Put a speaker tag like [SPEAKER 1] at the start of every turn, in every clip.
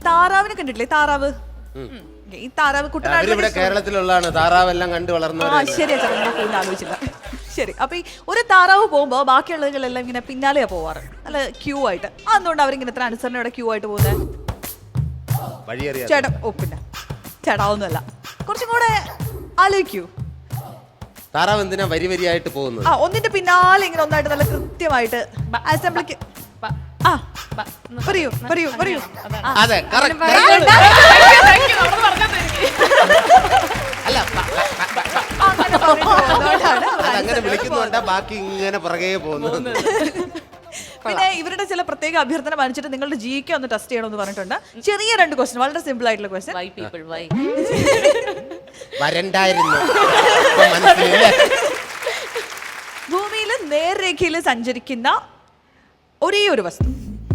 [SPEAKER 1] താറാവിനെ കണ്ടിട്ടില്ലേ? താറാവ്. ഈ താറാവ് കുട്ടനാട്
[SPEAKER 2] കേരളത്തിലുള്ളതാണ്. താറാവെല്ലാം കണ്ടു വളർന്നു.
[SPEAKER 1] ശരിയാ ചേട്ടാ, ഞാൻ കൂടുതൽ ആലോചിച്ചില്ല. ശരി, അപ്പൊ ഈ ഒരു താറാവ് പോകുമ്പോ ബാക്കിയുള്ളവരെല്ലാം ഇങ്ങനെ പിന്നാലെയാ പോവാറ്, അല്ല ക്യൂ ആയിട്ട്. അതുകൊണ്ട് അവരിങ്ങനെ എത്ര അനുസരണയോടെ ക്യൂ ആയിട്ട് പോകുന്നത്? ചേട്ടാ പിന്നെ ചേട്ടാ ഒന്നുമല്ല, കുറച്ചും കൂടെ ആലോചിക്കൂ.
[SPEAKER 2] താറാവ് എന്തിനാ വരി വരിയായിട്ട് പോകുന്നത്?
[SPEAKER 1] ഒന്നിന്റെ പിന്നാലെ ഇങ്ങനെ ഒന്നായിട്ട് നല്ല കൃത്യമായിട്ട് അസംബ്ലിക്ക്. പറയൂ പറയൂ പറയൂ.
[SPEAKER 2] അതെ, അങ്ങനെ വിളിക്കുന്നുണ്ടാ ബാക്കി ഇങ്ങനെ പുറകെ പോകുന്നു.
[SPEAKER 1] പിന്നെ ഇവരുടെ ചില പ്രത്യേക അഭ്യർത്ഥന മാനിച്ചിട്ട് നിങ്ങളുടെ ജിക്ക് ഒന്ന് ടെസ്റ്റ് ചെയ്യണമെന്ന് പറഞ്ഞിട്ടുണ്ട്. ചെറിയ 2 ക്വസ്റ്റ്യൻ, വളരെ സിമ്പിൾ ആയിട്ടുള്ള ക്വസ്റ്റ്യൻ.
[SPEAKER 2] വരണ്ടായിരുന്നു.
[SPEAKER 1] ഭൂമിയിൽ നേർരേഖയിൽ സഞ്ചരിക്കുന്ന ഒരേ ഒരു വസ്തു,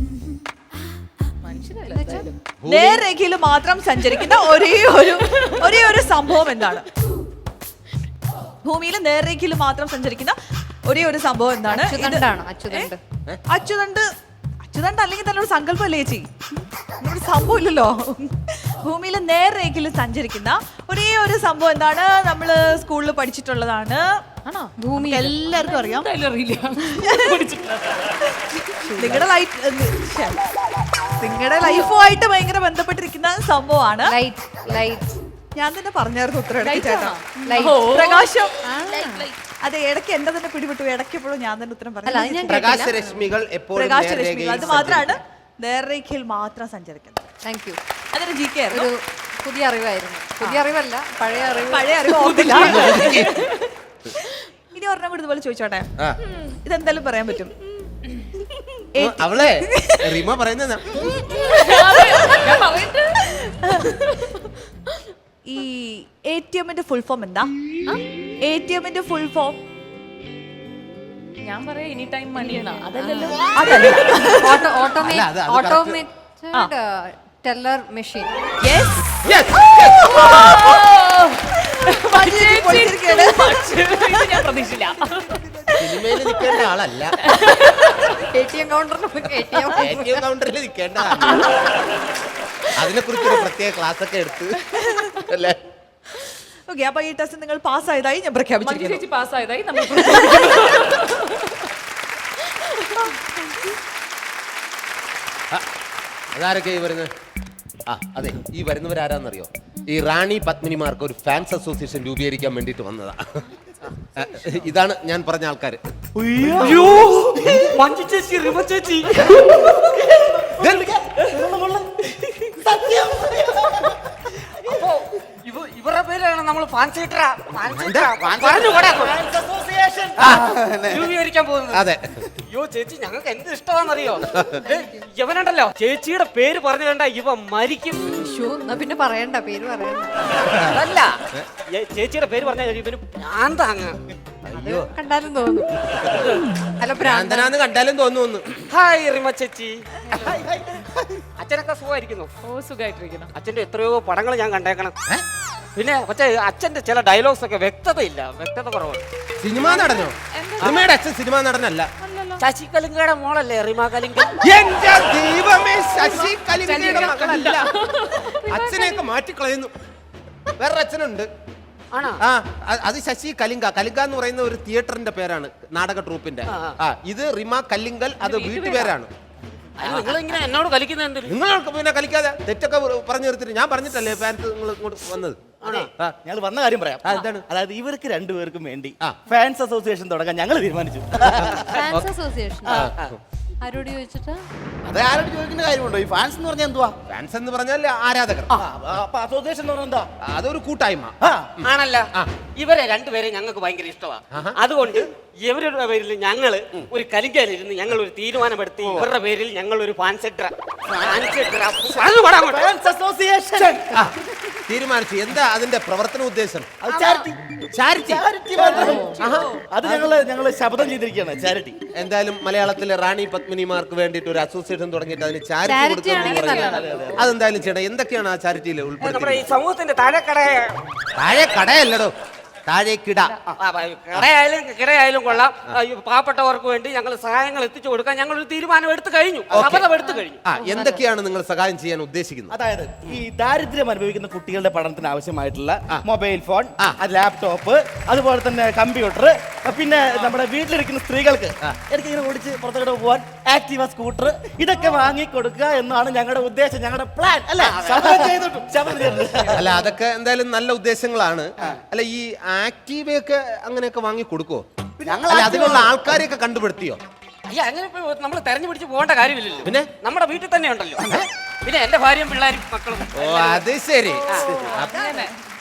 [SPEAKER 1] നേർരേഖയിൽ മാത്രം സഞ്ചരിക്കുന്ന ഒരേ ഒരു സംഭവം എന്താണ്? ഭൂമിയിൽ നേർരേഖയിൽ മാത്രം സഞ്ചരിക്കുന്ന ഒരേ ഒരു സംഭവം എന്താണ്? അച്ചുതണ്ട്. അച്ചുതണ്ട് അല്ലെങ്കിൽ തന്നെ ഒരു സങ്കല്പം അല്ലേ ചേച്ചി? ഒരു സംഭവം ഇല്ലല്ലോ. ഭൂമിയിൽ നേർരേഖയിൽ സഞ്ചരിക്കുന്ന ഒരേ ഒരു സംഭവം എന്താണ്? നമ്മള് സ്കൂളിൽ പഠിച്ചിട്ടുള്ളതാണ്. ഭൂമി എല്ലാവർക്കും അറിയാം. നിങ്ങളുടെ ലൈഫുമായിട്ട് ഭയങ്കര ബന്ധപ്പെട്ടിരിക്കുന്ന സംഭവമാണ്. ഞാൻ തന്നെ പറഞ്ഞായിരുന്നു ഉത്തരം. പ്രകാശം. അതെ, ഇടയ്ക്ക് എന്റെ തന്നെ പിടിപെട്ടു. ഇടയ്ക്കെപ്പോഴും ഞാൻ തന്നെ ഉത്തരം പറഞ്ഞു.
[SPEAKER 2] പ്രകാശരശ്മികൾ.
[SPEAKER 1] അത് മാത്രമാണ് നേർരേഖയിൽ മാത്രം സഞ്ചരിക്കുന്നത്.
[SPEAKER 3] Thank you.
[SPEAKER 1] അതൊരു ജി കെ
[SPEAKER 3] ഒരു പുതിയ അറിവായിരുന്നു. പുതിയ അറിവല്ല, പഴയ
[SPEAKER 1] അറിവ് ഓർത്തില്ല. ഇനി ഒരെണ്ണം കൂടി ഇതുപോലെ ചോദിച്ചോട്ടെ, ഇതെന്തായാലും പറയാൻ പറ്റും.
[SPEAKER 2] അവളെ റിമ പറയുന്ന
[SPEAKER 1] ഈ ATMന്റെ ഫുൾ ഫോം എന്താ? ATMന്റെ ഫുൾ ഫോം
[SPEAKER 4] ഞാൻ പറയാ എനി ടൈം മണി എന്നാ. അതല്ലല്ലോ.
[SPEAKER 3] Automated teller machine.
[SPEAKER 4] ഞാൻ പ്രതീക്ഷിച്ചില്ല.
[SPEAKER 2] സിനിമയിൽ നിൽക്കേണ്ട ആളല്ല,
[SPEAKER 3] ATM
[SPEAKER 2] കൗണ്ടറിൽ നിൽക്കേണ്ട. അതിനെ കുറിച്ച് പ്രത്യേക ക്ലാസ് ഒക്കെ എടുത്ത് അല്ലേ?
[SPEAKER 1] ഓക്കെ, അപ്പൊ ഈ ടെസ്റ്റ് നിങ്ങൾ പാസ്സായതായി ഞാൻ പ്രഖ്യാപിച്ചിരിക്കുന്നു.
[SPEAKER 4] പാസ്സായതായി നമ്മൾ.
[SPEAKER 2] അതാരൊക്കെ ഈ വരുന്നത്? അതെ, ഈ വരുന്നവരാരാന്നറിയോ? ഈ റാണി പത്മിനിമാർക്ക് ഒരു ഫാൻസ് അസോസിയേഷൻ രൂപീകരിക്കാൻ വേണ്ടിട്ട് വന്നതാ. ഇതാണ് ഞാൻ പറഞ്ഞ ആൾക്കാര്.
[SPEAKER 5] ഇവരുടെ പേരാണ് നമ്മൾ രൂപീകരിക്കാൻ പോകുന്നത്.
[SPEAKER 2] അതെ.
[SPEAKER 5] അയ്യോ ചേച്ചി, ഞങ്ങൾക്ക് എന്ത് ഇഷ്ടമാണെന്നറിയോ? ഇവനുണ്ടല്ലോ, ചേച്ചിയുടെ പേര് പറഞ്ഞു കണ്ട ഇവ മരിക്കും.
[SPEAKER 3] പിന്നെ പറയണ്ട, പേര് പറയണ്ട.
[SPEAKER 5] അതല്ല, ചേച്ചിയുടെ പേര് പറഞ്ഞാൽ ഇവന് ഭ്രാന്താങ്ങ.
[SPEAKER 3] കണ്ടാലും തോന്നുന്നു.
[SPEAKER 2] അല്ല, ഭ്രാന്തനാന്ന് കണ്ടാലും തോന്നുന്നു.
[SPEAKER 5] ഹായ് റിമ ചേച്ചി. അച്ഛനൊക്കെ സുഖമായിരിക്കുന്നു?
[SPEAKER 4] സുഖമായിട്ടിരിക്കുന്നു.
[SPEAKER 5] അച്ഛന്റെ എത്രയോ പടങ്ങൾ ഞാൻ കണ്ടേക്കണം. പിന്നെ പക്ഷേ അച്ഛന്റെ ചില ഡയലോഗ്സ് ഒക്കെ വ്യക്തതയില്ല, വ്യക്തത കുറവാണ്.
[SPEAKER 2] സിനിമ നടനോ? റിമയുടെ അച്ഛൻ സിനിമ നടനല്ല.
[SPEAKER 5] ശശി കലിംഗയുടെ മോളല്ലേ റിമ കലിംഗ?
[SPEAKER 2] എന്റെ ദൈവമേ, ശശി കലിംഗയുടെ മകളല്ല. അച്ഛനെയൊക്കെ മാറ്റിക്കളയുന്നു. വേറൊരു അച്ഛനുണ്ട്. അത് ശശി കലിംഗ. കലിംഗ എന്ന് പറയുന്ന ഒരു തിയേറ്ററിന്റെ പേരാണ്, നാടക ട്രൂപ്പിന്റെ. ഇത് റിമ കല്ലിങ്കൽ, അത് വീട്ടുപേരാണ്.
[SPEAKER 5] നിങ്ങളിങ്ങനെ എന്നോട് കളിക്കുന്നത്?
[SPEAKER 2] നിങ്ങൾക്ക് പിന്നെ കളിക്കാതെ തെറ്റൊക്കെ പറഞ്ഞു നിർത്തിട്ട് ഞാൻ പറഞ്ഞിട്ടല്ലേ ഫാൻസ് നിങ്ങൾ ഇങ്ങോട്ട് വന്നത്.
[SPEAKER 6] ഞങ്ങൾ വന്ന കാര്യം പറയാം. അതായത് ഇവർക്ക് രണ്ടുപേർക്കും വേണ്ടി ഫാൻസ് അസോസിയേഷൻ തുടങ്ങാൻ ഞങ്ങൾ തീരുമാനിച്ചു.
[SPEAKER 3] ഫാൻസ് അസോസിയേഷൻ ആരോട് ചോദിച്ചിട്ടാ?
[SPEAKER 6] അത് ആരോട് ചോദിക്കുന്ന കാര്യമുണ്ടോ? ഈ ഫാൻസ് എന്ന് പറഞ്ഞാൽ എന്തുവാ?
[SPEAKER 2] ഫാൻസ് എന്ന് പറഞ്ഞാൽ ആരാധകർ.
[SPEAKER 6] അസോസിയേഷൻ എന്ന് പറഞ്ഞാൽ എന്താ?
[SPEAKER 2] അതൊരു കൂട്ടായ്മ
[SPEAKER 5] ആണല്ല. ഇവരെ രണ്ടുപേരെ ഞങ്ങൾക്ക് ഭയങ്കര ഇഷ്ടമാണ്. അതുകൊണ്ട് ഇവരുടെ പേരിൽ ഞങ്ങൾ ഒരു കലിങ്കലിരുന്ന് ഞങ്ങൾ ഒരു തീരുമാനമെടുത്തി. ഇവരുടെ പേരിൽ ഞങ്ങൾ ഒരു
[SPEAKER 2] തീരുമാനിച്ചു. എന്താ അതിന്റെ പ്രവർത്തന ഉദ്ദേശം?
[SPEAKER 6] അത് ഞങ്ങൾ ശബ്ദം ചെയ്തിരിക്കുകയാണ്. ചാരിറ്റി.
[SPEAKER 2] എന്തായാലും മലയാളത്തിലെ റാണി പത്മിനിമാർക്ക് വേണ്ടിയിട്ട് ഒരു അസോസിയേഷൻ തുടങ്ങിയിട്ട് അതിന് ചാരിറ്റി കൊടുക്കുന്നു. അതെന്തായാലും ചെയ്യണം. എന്തൊക്കെയാണ് ആ ചാരിറ്റിയിൽ ഉൾപ്പെടുന്നത്?
[SPEAKER 5] സമൂഹത്തിന്റെ താഴെ കടയല്ലടോ.
[SPEAKER 2] താഴേക്കിട.
[SPEAKER 5] കടയായാലും കിടയായാലും കൊള്ളാം. പാവപ്പെട്ടവർക്ക് വേണ്ടി ഞങ്ങൾ സഹായങ്ങൾ എത്തിച്ചു കൊടുക്കാൻ ഞങ്ങൾ ഒരു തീരുമാനം എടുത്തു കഴിഞ്ഞു. ശപഥം എടുത്തു കഴിഞ്ഞു.
[SPEAKER 2] എന്തൊക്കെയാണ് നിങ്ങൾ സഹായം ചെയ്യാൻ ഉദ്ദേശിക്കുന്നത്?
[SPEAKER 6] അതായത് ഈ ദാരിദ്ര്യം അനുഭവിക്കുന്ന കുട്ടികളുടെ പഠനത്തിന് ആവശ്യമായിട്ടുള്ള മൊബൈൽ ഫോൺ, ലാപ്ടോപ്പ്, അതുപോലെ തന്നെ കമ്പ്യൂട്ടർ, പിന്നെ നമ്മുടെ വീട്ടിലിരിക്കുന്ന സ്ത്രീകൾക്ക് എനിക്ക് ഇങ്ങനെ ഓടിച്ച് പുറത്തോട്ട് പോകാൻ ആക്റ്റീവ സ്കൂട്ടർ, ഇതൊക്കെ വാങ്ങി കൊടുക്കുക എന്നാണ് ഞങ്ങളുടെ ഉദ്ദേശം, ഞങ്ങളുടെ പ്ലാൻ. അല്ല
[SPEAKER 2] അല്ല, അതൊക്കെ എന്തായാലും നല്ല ഉദ്ദേശങ്ങളാണ്. അല്ല, ഈ ആക്റ്റീവയൊക്കെ അങ്ങനെയൊക്കെ വാങ്ങി കൊടുക്കുവോ? അതിനുള്ള ആൾക്കാരെയൊക്കെ കണ്ടുപിടുത്തിയോ?
[SPEAKER 5] അയ്യ, അങ്ങനെ നമ്മൾ തെരഞ്ഞു പിടിച്ച് പോകേണ്ട കാര്യമില്ലല്ലോ.
[SPEAKER 2] പിന്നെ
[SPEAKER 5] നമ്മുടെ വീട്ടിൽ തന്നെ ഉണ്ടല്ലോ. പിന്നെ എന്റെ ഭാര്യയും പിള്ളേരും മക്കളും.
[SPEAKER 2] ഓ, അത് ശരി.